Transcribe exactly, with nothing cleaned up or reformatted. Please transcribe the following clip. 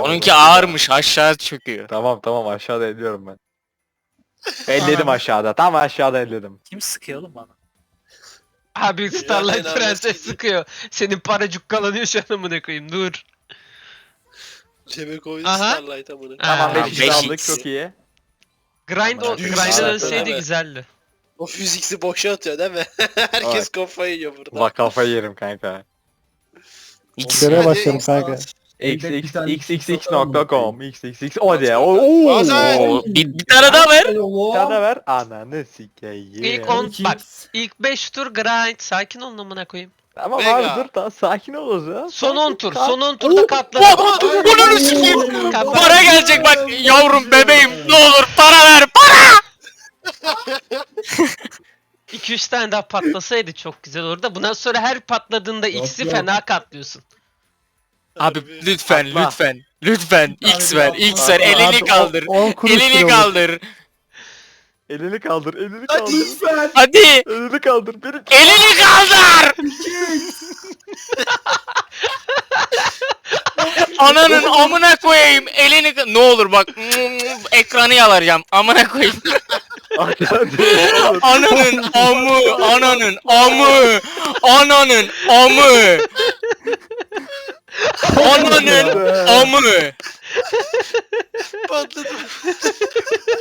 Onunki ağırmış, aşağı çöküyor. Tamam tamam aşağıda elliyorum ben. Elledim aşağıda. Tam aşağıda elledim. Kim sıkıyor oğlum bana? Abi Starlight Ya, Prenses inanılmaz. sıkıyor. Senin para cukkalanıyor şu an amına koyayım dur. Cebe koydu Aha. Starlight amına. Tamam Aa, beş x beş aldık x. çok iyi. Grind o Aman Grind'e Allah'ım. dönseydi Evet. güzeldi. O fiziksi boşa atıyor değil mi? Herkes Evet. kafayı yiyor burada. Bak kafayı yerim kanka. X. Görev Hadi. başlıyorum kanka. xxxx nokta com xxx o de o Bazen- Oo, bir, bir tane daha ver. Bir tane ver. Ananı sikeyim. İlk on bak ilk beş tur grind sakin olun amına koyayım. Tamam Mega. abi dur tamam sakin ol o zaman. Son on tur Sakin- son on turda katladı. Bunu sikeyim. Katladı. Para gelecek bak yavrum bebeğim ne olur para ver para. iki üç tane daha patlasaydı çok güzel olurdu. Bundan sonra her patladığında X'i yok. fena katlıyorsun. Abi lütfen Atla. lütfen lütfen X ver X ver Atla. elini Abi, kaldır. on- on kuruş Elini lira olur. kaldır. Elini kaldır elini Hadi kaldır. lütfen. Hadi Elini kaldır. Benim elini kaldır. Ananın amına koyayım elini ka- ne olur bak ekranı yalaracağım amına koyayım. Ananın amı ananın amı ananın amı ananın amı Patladı.